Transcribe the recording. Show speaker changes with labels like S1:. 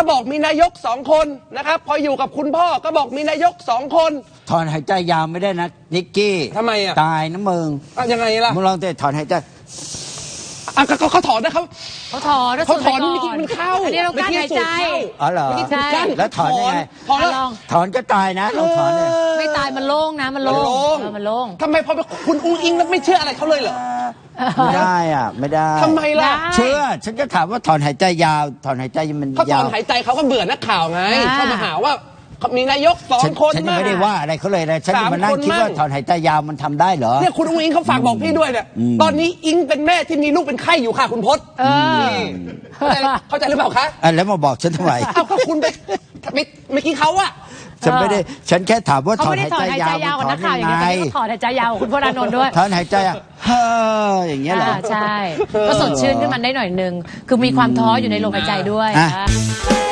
S1: บอกมีนายก2 คนนะครับพออยู่กับคุณพ่อก็บอกมีนายก2 คน
S2: ถอนหายใจยาวไม่ได้นะนิกกี้
S1: ทำไมอ่ะ
S2: ตายนะมึง
S1: ยังไงล่ะ
S2: มึงลองเตะถอนหายใจ
S1: เขาถอนนะครับ
S3: เขาถอน
S1: มันเข้า
S3: อันนี้เรากั้นหายใจ
S2: อ๋อเหรอ
S3: ใช่
S2: แล้วถอนยังไงถอนก็ตายนะลองถอนเลย
S3: ไม่ตายมันโล่งนะมันโล่งมันโล่ง
S1: ทำไมพอคุณอุ้งอิงแล้วไม่เชื่ออะไรเขาเลยเหรอ
S2: ไม่ได้อ่ะไม่ได้
S1: ทำไมล่ะ
S2: เชื่อฉันก็ถามว่าถอนหายใจยาวถอนหายใจมัน
S1: เขาถอนหายใจเขาก็เบื่อนักข่าวไงเขามาหาว่ามีนายก2 คน
S2: ฉันยังไม่ได้ว่าอะไรเขาเลยนะฉันมานั่งคิดว่าถอนหายใจยาวมันทำได้เหรอ
S1: เนี่ยคุณอุ้งอิงเขาฝากบอกพี่ด้วยเนี่ยตอนนี้อิงเป็นแม่ที่มีลูกเป็นไข้อยู่ค่ะคุณพจน์เข้าใจหรือเปล่าคะ
S2: แล้วมาบอกฉันทำไม
S1: คุณไปเมื่อกี้เขาอะ
S2: ฉันไม่ได้ฉันแค่ถามว่าถอนหายใจยาว
S3: ของนักข่าวอย่างเงี้ยถอนหายใจยาวคุณพจน์อานนท์ด้วย
S2: ถอนหายใจอย่างเงี้ยเหรอ
S3: ใช่ก็สดชื่นขึ้นมาได้หน่อยนึงคือมีความท้ออยู่ในลมหายใจด้วย